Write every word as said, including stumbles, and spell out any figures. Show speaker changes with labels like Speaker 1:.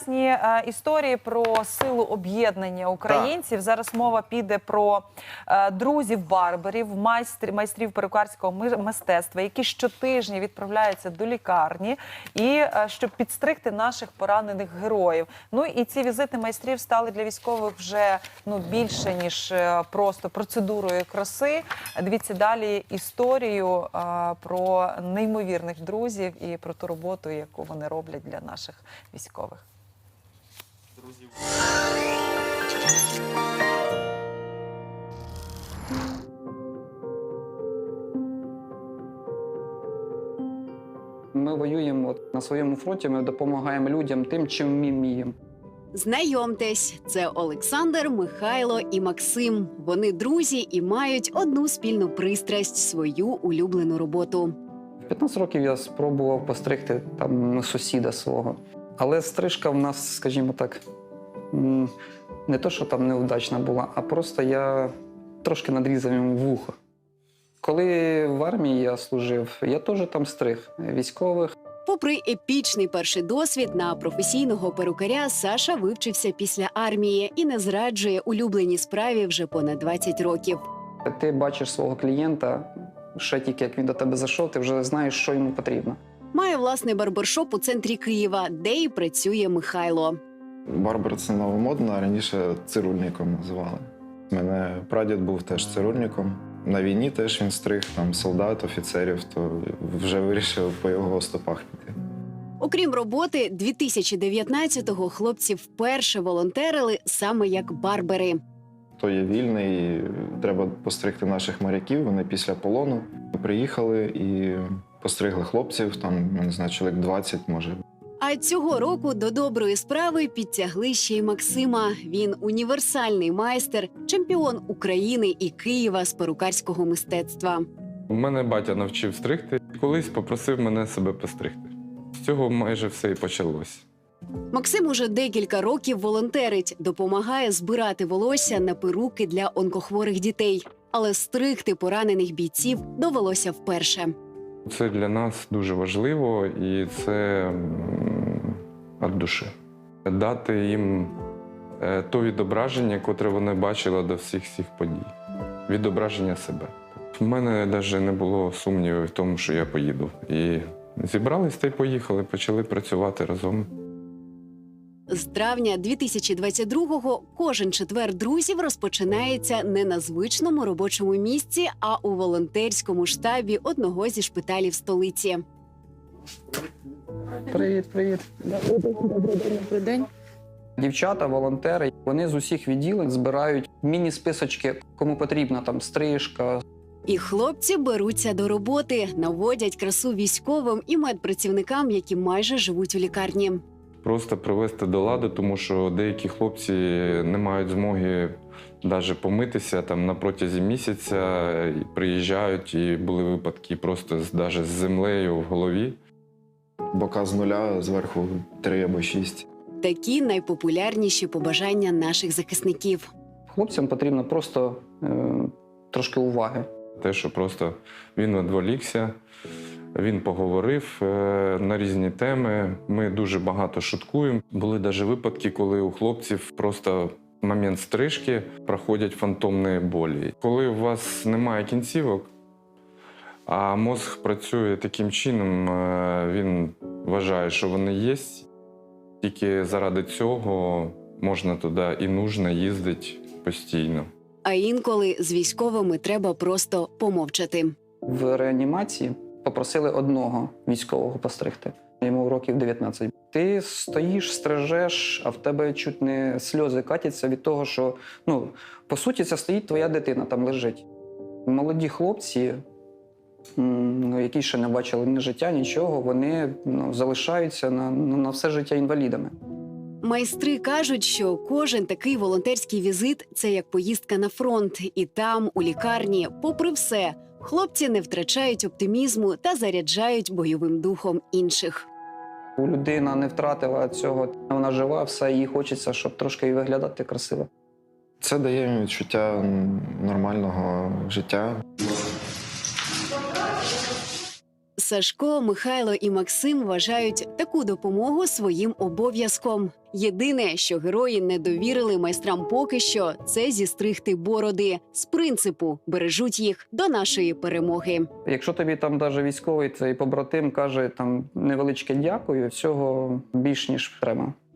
Speaker 1: Е, історії про силу об'єднання українців. Так. Зараз мова піде про е, друзів-барберів, майстрів, майстрів перукарського мистецтва, які щотижня відправляються до лікарні, і е, щоб підстригти наших поранених героїв. Ну і ці візити майстрів стали для військових вже ну, більше, ніж е, просто процедурою краси. Дивіться далі історію е, про неймовірних друзів і про ту роботу, яку вони роблять для наших військових. Друзів.
Speaker 2: Ми воюємо от, на своєму фронті, ми допомагаємо людям тим, чим ми вміємо.
Speaker 3: Знайомтесь, це Олександр, Михайло і Максим. Вони друзі і мають одну спільну пристрасть – свою улюблену роботу.
Speaker 2: В п'ятнадцять років я спробував постригти там сусіда свого. Але стрижка в нас, скажімо так, не то, що там неудачна була, а просто я трошки надрізав йому вухо. Коли в армії я служив, я теж там стриг військових.
Speaker 3: Попри епічний перший досвід на професійного перукаря, Саша вивчився після армії і не зраджує улюбленій справі вже понад двадцять років.
Speaker 2: Ти бачиш свого клієнта, ще тільки як він до тебе зайшов, ти вже знаєш, що йому потрібно.
Speaker 3: Має власний барбершоп у центрі Києва, де і працює Михайло.
Speaker 4: Барбер – це новомодно, а раніше цирульником називали. У мене прадід був теж цирульником. На війні теж він стриг там солдат, офіцерів, то вже вирішив по його стопах піти.
Speaker 3: Окрім роботи, дві тисячі дев'ятнадцятого хлопці вперше волонтерили саме як барбери.
Speaker 4: Хто є вільний, треба постригти наших моряків, вони після полону приїхали і постригли хлопців, там, я не знаю, чоловік двадцять, може.
Speaker 3: А цього року до доброї справи підтягли ще й Максима. Він універсальний майстер, чемпіон України і Києва з перукарського мистецтва.
Speaker 5: Мене батя навчив стригти. Колись попросив мене себе постригти. З цього майже все і почалось.
Speaker 3: Максим уже декілька років волонтерить, допомагає збирати волосся на перуки для онкохворих дітей. Але стригти поранених бійців довелося вперше.
Speaker 5: Це для нас дуже важливо, і це від душі. Дати їм то відображення, котре вони бачили до всіх цих подій. Відображення себе. У мене навіть не було сумнівів в тому, що я поїду. І зібрались та й поїхали, почали працювати разом.
Speaker 3: З травня дві тисячі двадцять другого кожен четвер друзів розпочинається не на звичному робочому місці, а у волонтерському штабі одного зі шпиталів столиці.
Speaker 2: Привіт, привіт.
Speaker 3: Добрий день.
Speaker 2: Дівчата, волонтери, вони з усіх відділень збирають міні-списочки, кому потрібна там стрижка.
Speaker 3: І хлопці беруться до роботи, наводять красу військовим і медпрацівникам, які майже живуть у лікарні.
Speaker 5: Просто привести до ладу, тому що деякі хлопці не мають змоги навіть помитися там на протязі місяця, і приїжджають, і були випадки просто навіть з землею в голові.
Speaker 4: Бока з нуля, зверху три або шість.
Speaker 3: Такі найпопулярніші побажання наших захисників.
Speaker 2: Хлопцям потрібно просто е, трошки уваги.
Speaker 5: Те, що просто він відволікся, він поговорив е, на різні теми. Ми дуже багато шуткуємо. Були навіть випадки, коли у хлопців просто в момент стрижки проходять фантомні болі. Коли у вас немає кінцівок, а мозг працює таким чином, е, він вважає, що вони є. Тільки заради цього можна туди і нужно їздити постійно.
Speaker 3: А інколи з військовими треба просто помовчати.
Speaker 2: В реанімації попросили одного військового постригти. Йому років дев'ятнадцять. Ти стоїш, стрижеш, а в тебе чуть не сльози катяться від того, що, ну, по суті, це стоїть твоя дитина, там лежить. Молоді хлопці, які ще не бачили ні життя, нічого, вони ну, залишаються на, на все життя інвалідами.
Speaker 3: Майстри кажуть, що кожен такий волонтерський візит – це як поїздка на фронт. І там, у лікарні, попри все, хлопці не втрачають оптимізму та заряджають бойовим духом інших.
Speaker 2: Людина не втратила цього, вона жива, все, їй хочеться, щоб трошки і виглядати красиво.
Speaker 4: Це дає їм відчуття нормального життя.
Speaker 3: Сашко, Михайло і Максим вважають таку допомогу своїм обов'язком. Єдине, що герої не довірили майстрам поки що, це зістригти бороди. З принципу бережуть їх до нашої перемоги.
Speaker 2: Якщо тобі там даже військовий цей побратим каже там невеличке дякую, всього більш ніж треба.